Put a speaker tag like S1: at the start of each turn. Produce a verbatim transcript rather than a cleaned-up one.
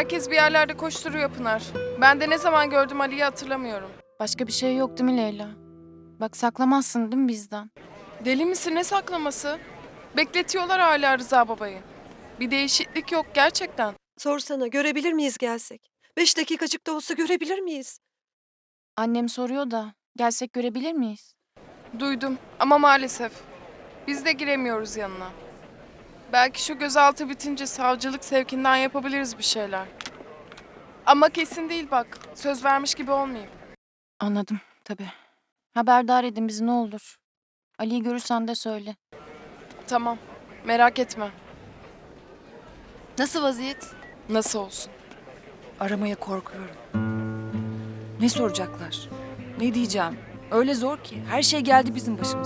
S1: Herkes bir yerlerde koşturuyor Pınar. Ben de ne zaman gördüm Ali'yi hatırlamıyorum.
S2: Başka bir şey yok değil mi Leyla? Bak saklamazsın değil mi bizden?
S1: Deli misin, ne saklaması? Bekletiyorlar hala Rıza babayı. Bir değişiklik yok gerçekten.
S3: Sorsana, görebilir miyiz gelsek? Beş dakikacık da olsa görebilir miyiz?
S2: Annem soruyor da gelsek görebilir miyiz?
S1: Duydum ama maalesef. Biz de giremiyoruz yanına. Belki şu gözaltı bitince savcılık sevkinden yapabiliriz bir şeyler. Ama kesin değil bak. Söz vermiş gibi olmayayım.
S2: Anladım tabii. Haberdar edin bizi ne olur. Ali'yi görürsen de söyle.
S1: Tamam. Merak etme.
S4: Nasıl vaziyet?
S1: Nasıl olsun?
S4: Aramaya korkuyorum. Ne soracaklar? Ne diyeceğim? Öyle zor ki. Her şey geldi bizim başımıza.